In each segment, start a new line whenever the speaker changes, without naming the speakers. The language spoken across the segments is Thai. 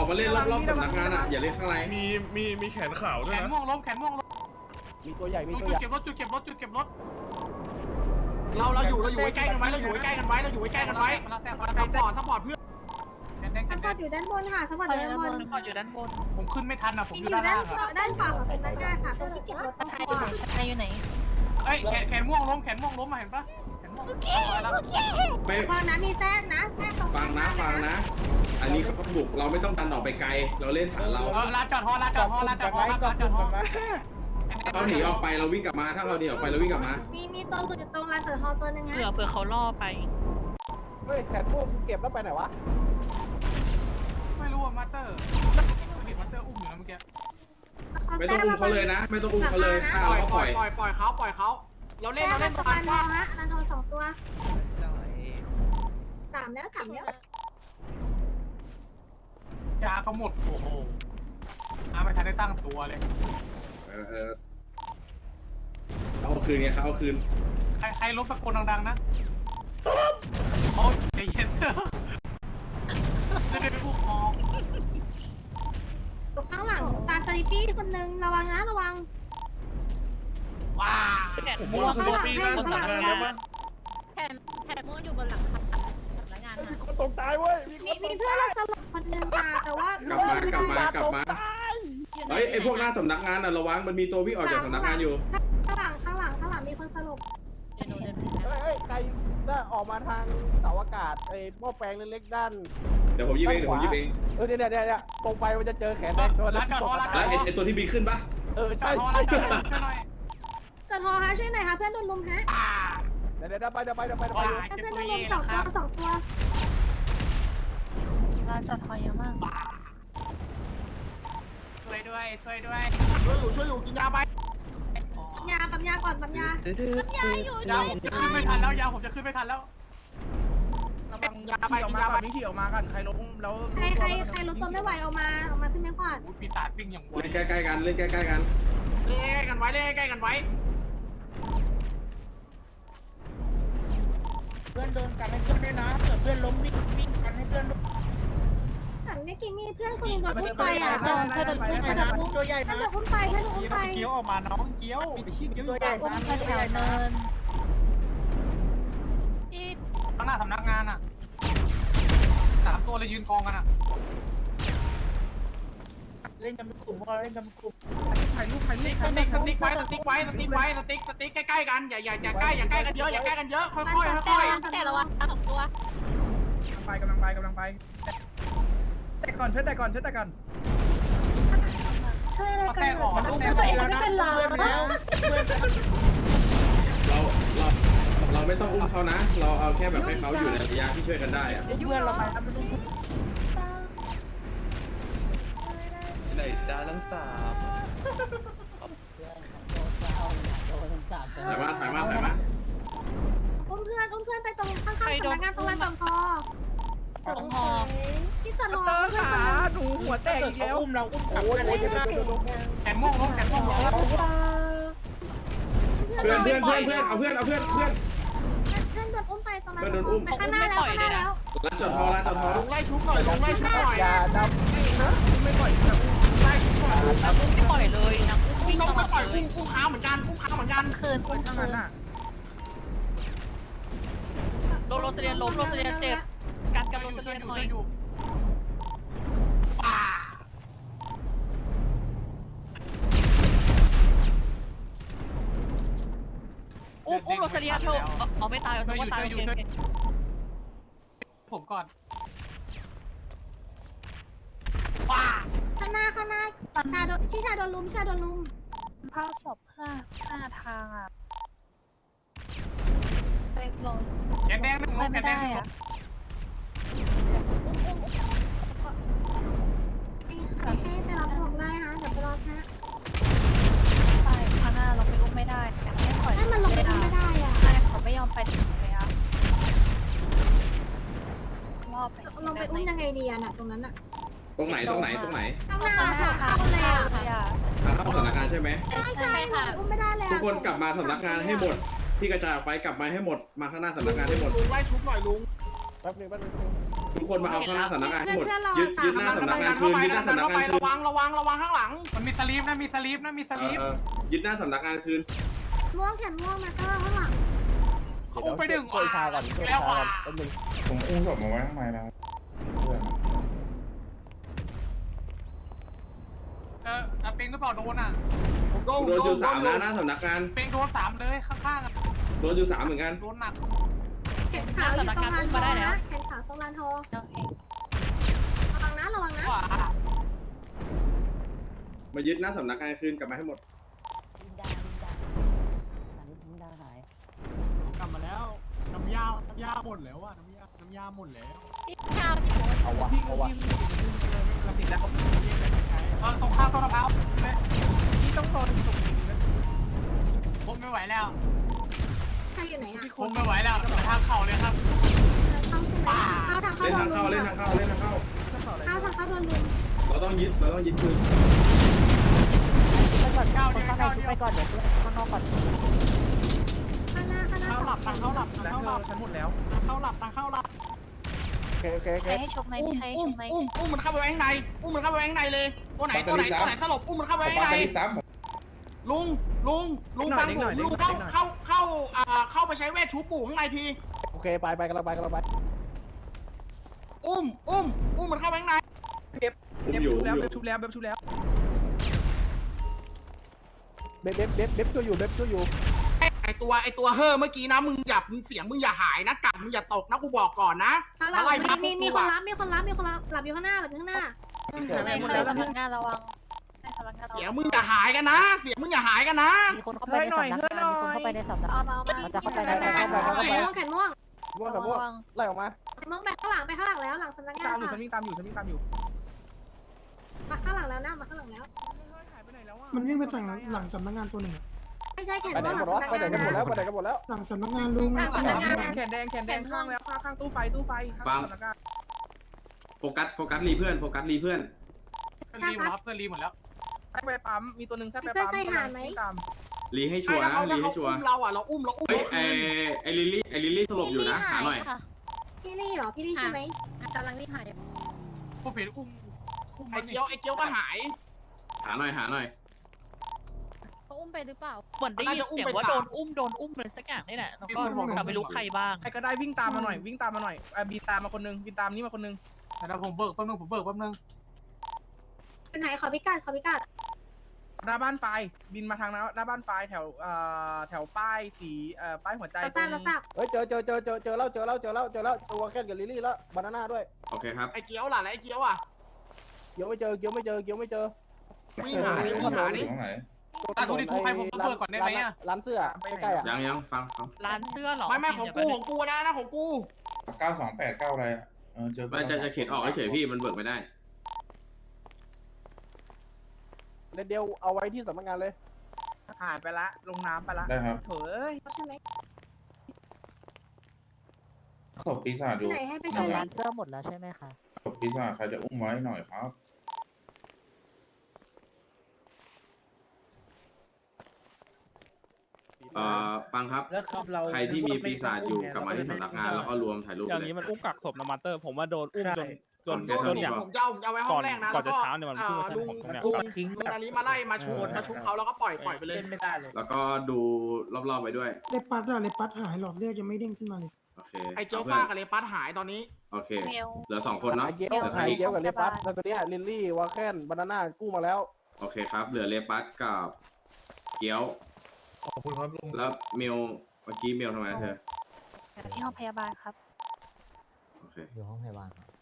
อกมาเล่นรอบๆสำนักงานอ่ะอย่าเล่นข้างใน
มีแขนขาวด้วยนะ
แขนม่วงล้ม
มีตัวใหญ่มี
จุ
ตัว
ด
ใหญ่
เก็บรถจุดเก็บรถจุดเก็บรถ
เราอยู่ใกล้กันไว้เราอยู่ใกล้กันไว้เราอยู่ใกล้กันไว้
มาแซง
ซัพพอร์ตเพื่อน
สปอร์ตอยู่ด้านบนค่ะสปอร์ตอยู่ด้านบน
สปอร์ตอยู่ด้านบนผมขึ้นไม่ทันอ่ะผม
อ
อยู่
ยู่
ด้าน
ด้า
ล่าน งอ่ะ
ด้านฝั่งของสำนักงานค่ะตรงที่เก็บรถ
ชายอยู่ไหนชายอยู่ไหน
เอ้ยแขนม่วงล้มมาเห็นปะแขนม่วง
โอเค
ไป
พอนะมีแทรกนะแทรกตรง
ฟังนะอันนี้เขาบุกเราไม่ต้องดันออกไปไกลเราเล่นฐานเรา
ลาจอดฮอลาจอดฮอ
เขาหนีออกไปเราวิ่งกลับมาถ้าเราหนีออกไปเราวิ่งกลับมา
มีตัวหลุดอยู่ตรงลานจอดฮอตัวนึงฮะ
เผื่อเขาล่อไป
เฮ้ยแขนพวกเก็บแล้วไปไหนวะ
ไม่รู้ว่ามาสเตอร์เห็นมาสเตอร์อุ้มอยู่นะเมื่อกี้
ไม่ต้องอุ้มเขาเลยนะไม่ต้องอุ้มเขาเลยฆ่า
ปล่อย
เรา
ป
ป
ล่
ล่
อ
อย ย
เขาเรา
แทร
เล่น
ก
เราเล่น
สะ
ตา
พาน
ม
ทอ
ว่า
ฮะลานทอ2 ตัว3แล้ว3แล้ว
ยาเขาหมดโอ้โหไม่ทันได้ตั้งตัวเลย
เขาเอาคืนไงเขาเอาคืน
ใครลบตะโกนดังๆนะโอ้ยใจเย็นจะได้ผู้ครอง
อยู่ข้างหลังตาสลิปปี้คนนึงระวังนะระวัง
ว้า
ผมว่าสโลปี้น่าสำนักงานได้ปะ
แผ่ม่วงอยู่บนหลังคาสำนักงาน
มีคนตกตายเว้ย
มีเพื่อนเราสลบคนนึงค่ะแต่ว่าก
ลับมาเฮ้ยไอพวกหน้าสำนักงานน่ะระวังมันมีตัววิ่งออกจากสำนักงานอยู่
ข้างหลังมีคนสลบ
เดี๋ยวหนูเดินไป
เฮ้ยใครถ้าออกมาทางเสาอากาศไอ้หม้อแปลงเล็กๆด้าน
เดี๋ยวผมยิงเอง
เนี่ยตรงไปมันจะเจอแขนแดงตัวนั้น
แล้วไอตัวที่บินขึ้นปะ
ใช่
จอดฮอลาจอดฮอช่วยหน่อย
จอดฮอฮะช่วยหน่อยค่ะเพื่อนโดนลุมฮะ
เดี๋ยวไป
เพื่อนโดนลุม2 ตัว
ร้านจอดทอยเยอะมาก
ช่วยด้วย
ช่วยอยู่กินยาไป
ปั๊มยาก่อนปั๊มยาอยู่
ยาผมจะขึ้นไม่ทันแล้วยาผมจะขึ้นไม่ทันแล้ว
ระวังยาไปกินยาไปนี่ฉี่ออกมากันใครล้มแล้ว
ใครรถตัวไม่ไหวออกมาขึ้นไม่ขวาด
ปีศาจวิ่งอย่างไว
เล่นใกล้ๆกันเล่นใกล้ๆกัน
เล่นกันไว้เล่นใกล้กันไว้
เพื่อนโดนกันให้เพื่อนด้วยนะเกิดเพื่อนล้มวิ่งกันให้เพื่อน
แต่เมื่อกี้มีเพื่อนคนนึงโดนอุ้มไปอ่ะ
ตัวใหญ่นะ
เพื่อนโดนอุ้มไป
เกี้ยวออกมาน้องเกี้ยวไปชี้เกี้ยว
ตัวใหญ่
อุ้ม
นะ
แถวเนินที่
ข้างหน้าสำนักงานอ่ะ3 ตัวเลยยืนกองกันอ่ะ
เล่นกันเป็นกลุ่มพวกเราเล่นกันเป็นกลุ่ม
ถ่ายรูปสติ๊กไว้สติ๊กใกล้ๆกันอย่าใกล้กันเยอะค่อยๆ
แต่ระวัง2 ตัว
กำลังไปแต่ก่อนช่วยแต่ก่อน
ช่วยอะไรกัน
ช่วยตัวเองไม่เป็นไร
เราไม่ต้องอุ้มเขานะเราเอาแค่แบบให้เขาอยู่ในระยะที่ช่วยกันได้อะ
เพื่อนเราไปทำเป็น
ไหนจ้าทั้งสาม
ถ่ายมา
อุ้มเพื่อนไปตรงข้างๆสำนักงานตรงลานจอดฮอ
สองฮอ
ที่จอดฮอ
หนูหัวแตกอีกแล้วอุ้มเราอุ้มขับกันเลยนะ
แขนม่วงล้ม
เพื่อนเอาเพื่อน
เพื่อนโดนอุ้มไปตรงนั้นไปข้างหน้าแล้ว
ร้านจอดฮอ
ลงไล่ชุบหน่อย
อย่าดำ
ไม่ปล่อยไล่ชุบหน่อย
ไม่ปล่อยเลยนะวิ่ง
ต้อง
ตล
ไม่
อด
ปล่อย
เลย
อุ้มค้าเหมือนกัน
คืนโรสเลียนล้มโรสเลียนเจ็บการกับโรสเลียนหน่อย
อยู่
อุ้มโรสเลียนโชว์เอาไม่ตายเอาไม่ตายโอเค
ผมก่อน
ข้างหน้าชาโดนลุม
ภาพศพหน้าทางอ่ะไปลง
แขนแดง
ไม่ได้อ่ะ
ให้ไปรับบอกได้ฮะเดี๋ยวไปรอแค่
ไปข้างหน้าเราไปอุ้มไม่ได้อยากให้ปล่อย
ให้มันลงไปไม่ได้อ่ะ
ใช่เขาไม่ยอมไปถึงเลยอ่ะรอบไป
ลงไปอุ้มยังไงดีอ่ะน่ะตรงนั้นอ่ะ
ตรงไหน
ข้างหน้าเข้าเลยอ่ะ
ทางเข้าสำนักงานใช่ไหม
ใช่อุ้มไม่ได้เลย
ทุกคนกลับมาสำนักงานให้หมดที่กระจายออกไปกลับมาให้หมดมาข้างหน้าสำนักงานให้หมด
ลุงไล่ชุบหน่อยลุง
แป๊บนึง
ทุกคนมาเอาข้างหน้าสำนักงานให้หมด
เพื่อนเรา
ยึดหน้าสำนักงานคืนยึดหน้าสำนักงานคืน
ระวังข้างหลัง
มันมีสลีปนะมีสลีปนะมีสลีป
ยึดหน้าสำนักงานคืน
ม่วงแขนม่วงมาเตอร์ข้างหลัง
อุ้มไปดึง
ช่วยชาก่อนช่วย
แล้ว
ชา
อ่ะ
ก่อนแป๊บนึง
ผมอุ้มศพมาไว้ข้างในแล้วเพื่อน
ปิงหรือเปล่าโดนอ่ะ
โดนอยู่3นะหน้าสำนักงาน
ปิงโดน3เลยข้างๆอ่ะ
โดนอยู่3เหมือนกัน
โดนหนัก
แขนขาวอยู่ตรงลานทองนะแขนขาวตรงลานทอง
โอเค
ระวังนะ
กว่า
มายึดหน้าสำนักงานคืนกลับมาให้หมด
กลับมาแล้วน้ำยาหมดแล้วอ่ะน้ำยาหมดแล้ว
เอาวะเอาวะ
เราติดแล้วตรงข้าวต้นมะพร้าวเลยนี่ต้องโดนตรงนี้ผมไม่ไหวแล้ว
ใครอยู่ไหนอ่ะ
ผมไม่ไหวแล้วทางเข่าเลยครับ
เข้าใช่ไหมเข้าทางเข้า
เล่น
โด
ทาน ง
ลุ
เข้าม เล่นทางเข้าเล่นทางเข้า
เข้าทางเข้าโดนลุม
เราต้องยึดคืน
ก้าวเดียวก้าวเดียว
ข้างหน้า
เข้าหลับทางเข้าหลับทางเข้าหลับฉันหมดแล้วเข้าหลับทางเข้าหลับ
โอเคโอเคโอ
ใค
เค
รให้ชมไหม
อุ้ม
ใครให้
อุ้
ช
ม
มไหม
อุ้มมันเข้าไปไว้ข้างในอุ้มมันเข้าไปไว้ข้างในเลยตัวไหนสลบอุ้มมันเข้าไป
ผม
ไว้
ปา
ข้างใน
สลิปซ้ำ
ลุงฟังผมลุงเข้าไปใช้เวทชูปู่ข้างในที
โอเคไปกำลังไป
อุ้มมันเข้าไปข้างใน
อยู่
เบบช่วยอยู่
ไอตัวเฮ้อเมื่อกี้นะมึงเสียงมึงอย่าหายนะกัดมึงอย่าตกนะกูบอกก่อนนะ
ข้างหลังมีคนรับหลับอยู่ข้างหน้า
ใครสำนักงานระวังใครสำนักงานระ
เสีย
วั
ง
ง
มึงอย่าหายกันนะเสียงมึงอย่าหายกันนะ
มีคนเข้าไปในสำนักงานมีคนเข้าไปในสำนัก
เอา
งาน
มา
มันจะเข้าไป
แข
ใน
นม่วงแขนม่วง
ม่วงกับม่วงไล่ออกมา
แขนม่วงไปข้างหลังแล้วหลังสำนักงานค่ะ
ตามอยู่
มาข้างหลังแล้วนะมาข้างหลังแล้ว
มันวิ่งไปฝั่งหลังสำนักงานตัวหนึ่ง
ไม่ใช่แขน
ไปไหน
ม่วงห
กั
ลั
น
ง
วะ
สำนัก
ไปไหน
งาน
กันหมดแล้ว
หลังสำนักงานลุง
หลังสำนักงาน
แขนแดงข้างแล้วข้างตู้ไฟ
ฟังโฟกัสรีเพื่อน
รีหมดแล้วเพื่อนรีหมดแล้ว
เพื่อนใครหาไหม
รีให้ชัวร์นะรีให้ชัวร์
เราอ่ะเราอุ้ม
เฮ้ยไอลิลลี่สลบอยู่นะหาหน่อย
พี่ลี่เหรอพี่ลี่ใช่ไหม
กำลังรีบหาย
ผู้ผิดอุ้ม
ไอเกียวก็หาย
หาหน่อย
เขาอุ้มไปหรือเปล่าเหมือนได้ยินเสียงว่าโดนอุ้มเลยสักอย่างนี่แหละแล้วก็แต่ไม่รู้ใครบ้าง
ใครก็ได้วิ่งตามมาหน่อยบินตามมาคนนึงบินตามนี่มาคนนึงแต่ผมเบิกแป๊บนึง
เป็นไหนขอพิกัด
หน้าบ้านไฟบินมาทางหน้าบ้านไฟแถวป้ายสีป้ายหัวใจ
เราทราบ
เฮ้ยเจอแล้วตัวแค่กับลิลลี่แล้วบานาน่าด้วย
โอเคครับ
ไอเกียวล่ะไอเกียวอ่ะ
เกียวไม่เจอ
วิ่งหาดิ
อยู่ตรงไหน
ทุกทีใครผมเบิกก่อนได้ไหมอ่ะ
ร้านเสื้อใกล้ๆอ่ะ
ยังฟัง
ร้านเสื้อหรอ
ไม่ของกูนะของกู
9289อะไรอ่ะเจอ
มันจะเข็นออกเฉยพี่มันเบิกไม่ได้
เดียวเอาไว้ที่สำนักงานเลย
หายไปละลงน้ำไปละ
ได้ครับ
เฮ้ย
ใช่ไหม
ศพปีศาจอยู่
ไหนให้ไปช่วย
ร้านเสื้อหมดแล้วใช่ไหมคะ
ศพปีศาจใครจะอุ้มไว้หน่อยครับ
ฟังครับใครที่มีปีศาจอยู่กลับมาที่สำนักงานแล้วก็รวมถ่ายรูป
อย่างนี้มันอุ้มกักศพนะมาสเตอร์ผมว่าโดนอุ้มจน
อย่างผมจะเอาไว้ห้องแรกนะแล้วก็ลุงนาลีมาไล่มาชุบเขาแล้วก็ปล่อยไปเลย
แล้วก็ดูรอบๆไปด้วย
เลปัสหายหลอดเลือดยังไม่เด้งขึ้นมาเลย
โอเค
ไอเกียวซ่ากับเลปัสหายตอนนี้
โอเคเหลือ2คนเนาะ
เกียวกับเลปัสแล้วตัวเนี้ยลิลลี่วาแคนบานาน่ากู้มาแล้ว
โอเคครับเหลือเลปัสกับเกี๊ยว
ขอบคุณครับลุง
แล้วเมลเมื่อกี้เมลทำไมเธอ
ที่ห้องพยาบาลครับ
โอเค
อยู่ห้องพยาบาลครับ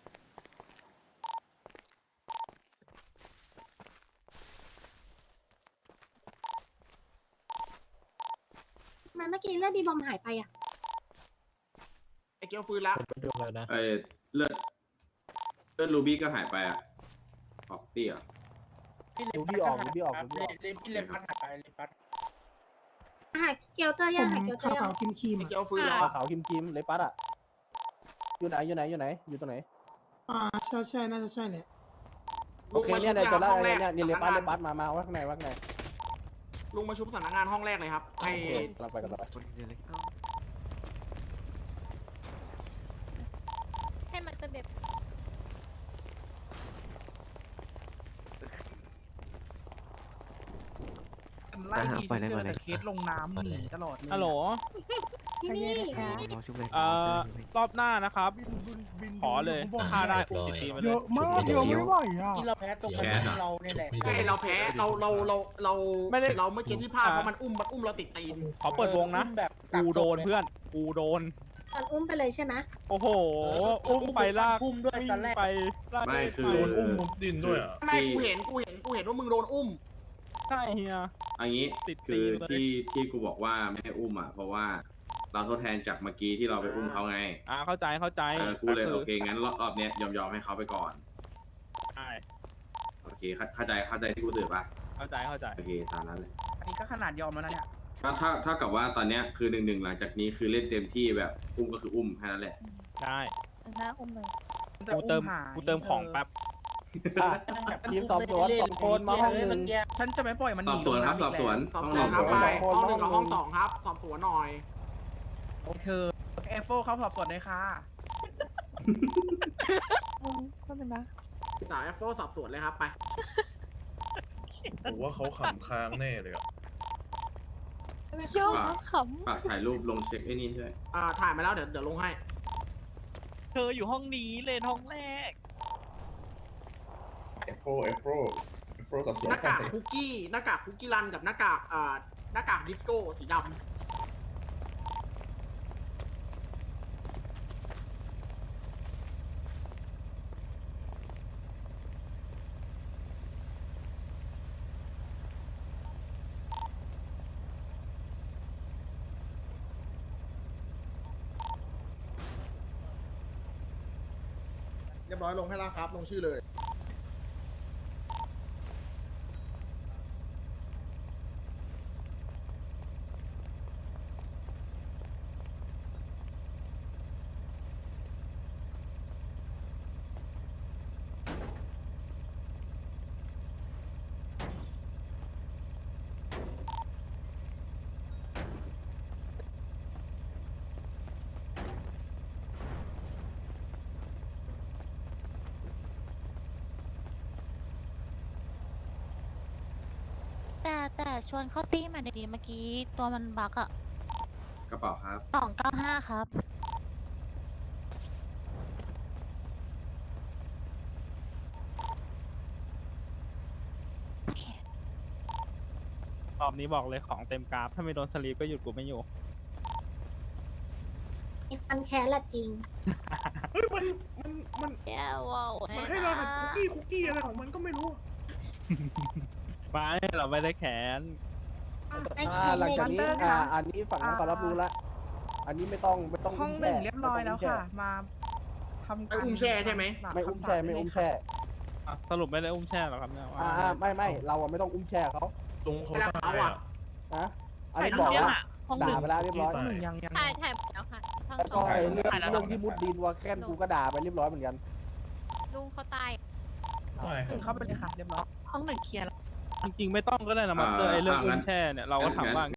ทำไมเมื่อกี้เลือดบีบอมหายไปอ่ะ
ไอเกียวฟื้นแล้ว
เลือดรูบี้ก็หายไปอะออกเตี้ย
ดูพี่ออก
พี่เลปัสหายไปเลปัส
หาเกียวเจอยังหาเกียวเจอ
ขาว
ยัง
ๆครีม
ไอ
ๆ
เกียวฟื้นแล้ว
ขาวคิมเลปัสอ่ะอยู่ไหนอยู่ตรงไหน
ใช่น่าจะใช่เลย
โอเคเนี่ยเจอแล้วเนี่ยเลปัสมาว่าข้างใน
ลุงมาชุบสำนักงานห้องแรกเลยครับไอ
เราไปกันต่อ
ให้มันจะเบ
ไล่ดีฉันเจอแต่เคสลงน้ำหนีตลอดเลย
ฮัลโหล
ที่นี่
รอบหน้านะครับ ขอเลยฆ่าได้อุ้มตีมาเล
เย
ย
อะมากเยอะไม่ไหวอ่ะ
ที่เราแพ้ตรง
แคสอะ
เราเนี่ยแหละใช่เราแพ้เราเราเมื่อกี้ที่พลาดเพราะมันอุ้มเราติดตีน
ขอเปิดวงนะ
แบบ
กูโดนเพื่อน กูโดน
ตอนอุ้มไปเลยใช่ไหม
โอ้โห อุ้มไปลาก
อุ้มด้วย
วิ่ง
ตอนแรก
ไปลาก
ไม่คือ
โดนอุ้ม
ดินด้วยอ่ะ
ไม่กูเห็นว่ามึงโดนอุ้ม
ใช่เฮีย
อันนี้
ติดตี
คือน
เลย
ที่กูบอกว่าไม่ให้อุ้มอ่ะเพราะว่าเราทดแทนจากเมื่อกี้ที่เราไปอุ้มเขาไง
เข้าใจ
กูเลยโอเคงั้นรอบเนี้ยยอมให้เขาไปก่อน
ใช่
โอเคเข้าใจที่กูสื่อปะ
เข้าใจ
โอเคตามนั้นเลย
อันนี้ก็ขนาดยอมแล้วนะเนี่ย
ถ้ากับว่าตอนเนี้ยคือ1-1หลังจากนี้คือเล่นเต็มที่แบบอุ้มก็คืออุ้มแค่นั้นแหละ
ได้
หน้าอุ้มเลย
กูเติมของแป๊บ
อ่ะทีมสอบสวน2 คนมาห้องหนึ่ง
ฉันจะไม่ปล่อยมันห
สอ
นี
บสวนครับ
ลง
สอบ
น้ำ
สวน
สอบ
ห้อง
ส
ห
ว
นึ่
น
ง
ครับไป
สองคน
ห้องหนึ่งกับห้องสองครับ สอบสวนหน่อย
โอเคเอฟโฟเขาสอบสวนเลยค่ะ
ก็เป็นนะ
สาวแอฟโฟสอบสวนเลยครับไป
ผมว่าเขาขำค้างแน่เลยอ่ะ
ย่อข
ฝากถ่ายรูปลงเช็คไอ้นี่ด้วย
ถ่ายมาแล้วเดี๋ยวลงให้
เธออยู่ห้องนี้เลนห้องแรก
เอฟโฟสับสน
หน้ากากคุกกี้รันกับหน้ากากดิสโก้สีดำ เรียบร้อยลงให้แล้วครับ ลงชื่อเลย
แต่ชวนเข้าตี้มาดีๆเมื่อกี้ตัวมันบักอะ
กระเป๋าครับ
295ครับ
รอบนี้บอกเลยของเต็มกราฟ ถ้าไม่โดนสลีปก็หยุดกูไม่อยู่
ฟันแค้นละจริง
มัน
แย่ว้าว
มันให้เราหันคุกกี้อะไรของมันก็ไม่รู้
ไม่เราไม่ได้แขน
ไม่แค้น
หลัง
เลย
จากนี้
Hunter ค่ะ
อันนี้ฝั่งนั้นเขารับรู้แล้วอันนี้ไม่ต้อง
ห้องหนึ่งเรียบร้อยแล้วค่ะ มาทำ
ไอ้อุ้มแช่ใช่ไหม
ไม่อุ้มแช่ไม่อุ้มแช่
สรุปไม่ได้อุ้มแช่หรอครับเนี่ย
ไม่เราอะไม่ต้องอุ้มแช่เขา
ตรงเขา
แล้ว
ตา
เขา
ย
อ่ะ
อ่ะ
นะอันนี้บอกว่า
ห้องหนึ่
ด่าง ไปแล้วเรียบร้อย
ห้องหนึ่งยัง
ถ่ายหมดแล้วค่ะทั้ง
แล้ว
ส
ก็
อง
ไอ้เรื่องที่มุดดินว่าแค่นกูก็ด่าไปเรียบร้อยเหมือนกัน
ลุงเขาตาย
ตาย
เข้าไปเลยค่ะเรียบร้อย
ห้องหนึ่งเคลียร์แล้ว
จริงๆไม่ต้องก็ได้นะมัตเตอร์ไอเรื่อง
งั้
อุ้
น
มแช่เนี่ยเราก็ทำบ้าง